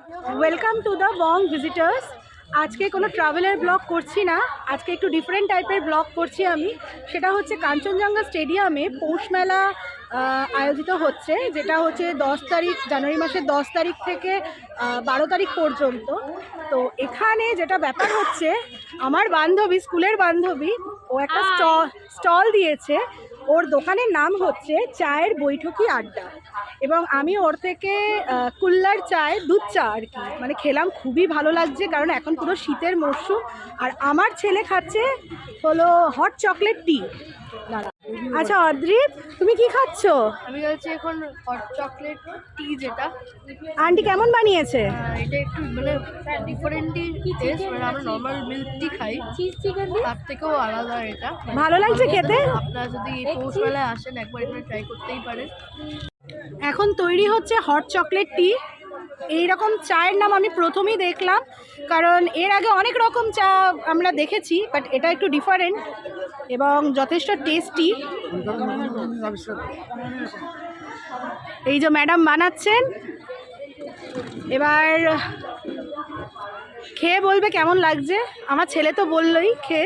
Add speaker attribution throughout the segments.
Speaker 1: Welcome to the Bong visitors. আজকে কোনো ট্রাভেলের ব্লগ করছি না, আজকে একটু ডিফারেন্ট টাইপের ব্লগ করছি আমি। সেটা হচ্ছে কাঞ্চনজঙ্ঘা স্টেডিয়ামে পৌষ মেলা আয়োজিত হচ্ছে, যেটা হচ্ছে 10 তারিখ, জানুয়ারি মাসের 10 তারিখ থেকে 12 তারিখ পর্যন্ত। তো এখানে যেটা ব্যাপার হচ্ছে, আমার বান্ধবী, স্কুলের বান্ধবী, ও একটা স্টল দিয়েছে। ওর দোকানের নাম হচ্ছে চায়ের বৈঠকি আড্ডা, এবং আমি ওর থেকে কুল্লার চায়, দুধ চা আর কি, মানে খেলাম, খুবই ভালো লাগছে। কারণ এখন পুরো শীতের মরশুম, আর আমার ছেলে খাচ্ছে হলো হট চকলেট টি। আচ্ছা অদ্রিত, তুমি কি খাচ্ছ?
Speaker 2: আমি হচ্ছে এখন হট চকলেট টি, যেটা
Speaker 1: আন্টি কেমন বানিয়েছে?
Speaker 2: এটা একটু মানে ডিফারেন্ট টেস্ট, মানে আমরা নর্মাল মিল্ক টি খাই, চিজ চিকেন তার থেকেও আলাদা এটা।
Speaker 1: ভালো লাগছে খেতে?
Speaker 2: আপনারা যদি এই পৌষ মেলায় আসেন একবার এখানে ট্রাই করতেই পারেন।
Speaker 1: এখন তৈরি হচ্ছে হট চকলেট টি। এইরকম চায়ের নাম আমি প্রথমেই দেখলাম, কারণ এর আগে অনেক রকম চা আমরা দেখেছি, বাট এটা একটু ডিফারেন্ট এবং যথেষ্ট টেস্টি। এই যে ম্যাডাম বানাচ্ছেন, এবার খেয়ে বলবে কেমন লাগছে। আমার ছেলে তো বললোই খেয়ে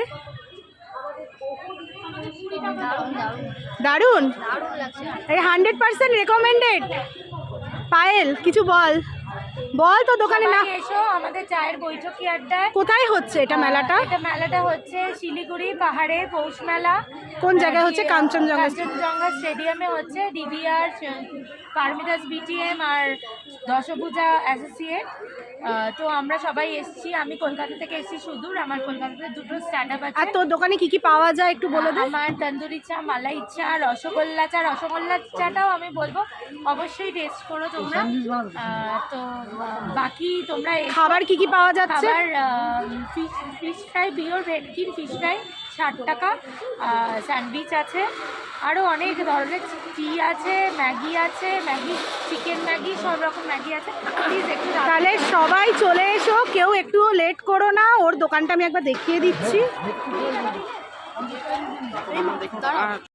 Speaker 1: দারুণ
Speaker 2: লাগছে।
Speaker 1: এই 100% রেকমেন্ডেড। পায়েল কিছু বল তো দোকানে না।
Speaker 3: এসো আমাদের চায়ের বৈঠকি আড্ডায়।
Speaker 1: কোথায় হচ্ছে এটা মেলাটা?
Speaker 3: এটা মেলাটা হচ্ছে শিলিগুড়ি পাহাড়ে পৌষ মেলা।
Speaker 1: কোন জায়গায় হচ্ছে? কাঞ্চনজঙ্ঘা
Speaker 3: স্টেডিয়ামে হচ্ছে। ডিভিআর, পারমিতাস বিটিএম আর দশভূজা অ্যাসোসিয়েট। তো আমরা সবাই এসেছি। আমি কলকাতা থেকে এসেছি সুদূর। আমার কলকাতাতে দুটো স্টার্ট আপ আছে।
Speaker 1: আর তোর দোকানে কি কি পাওয়া যায় একটু বলে দে।
Speaker 3: আমার তন্দুরি চা, মালাই চা, রসগোল্লা চা। রসগোল্লা চাটাও আমি বলবো অবশ্যই টেস্ট করো তোমরা। তো বাকি তোমরা
Speaker 1: খাবার কি কি পাওয়া যাচ্ছে?
Speaker 3: খাবার ফিশ ফ্রাই, পিওর ভেটকির ফিশ ফ্রাই 60 টাকা। স্যান্ডউইচ আছে, আরও অনেক ধরনের টি আছে, ম্যাগি আছে, ম্যাগি, চিকেন ম্যাগি, সব রকম ম্যাগি আছে। প্লিজ একটু
Speaker 1: তাহলে সবাই চলে এসো, কেউ একটু লেট করো না। ওর দোকানটা আমি একবার দেখিয়ে দিচ্ছি।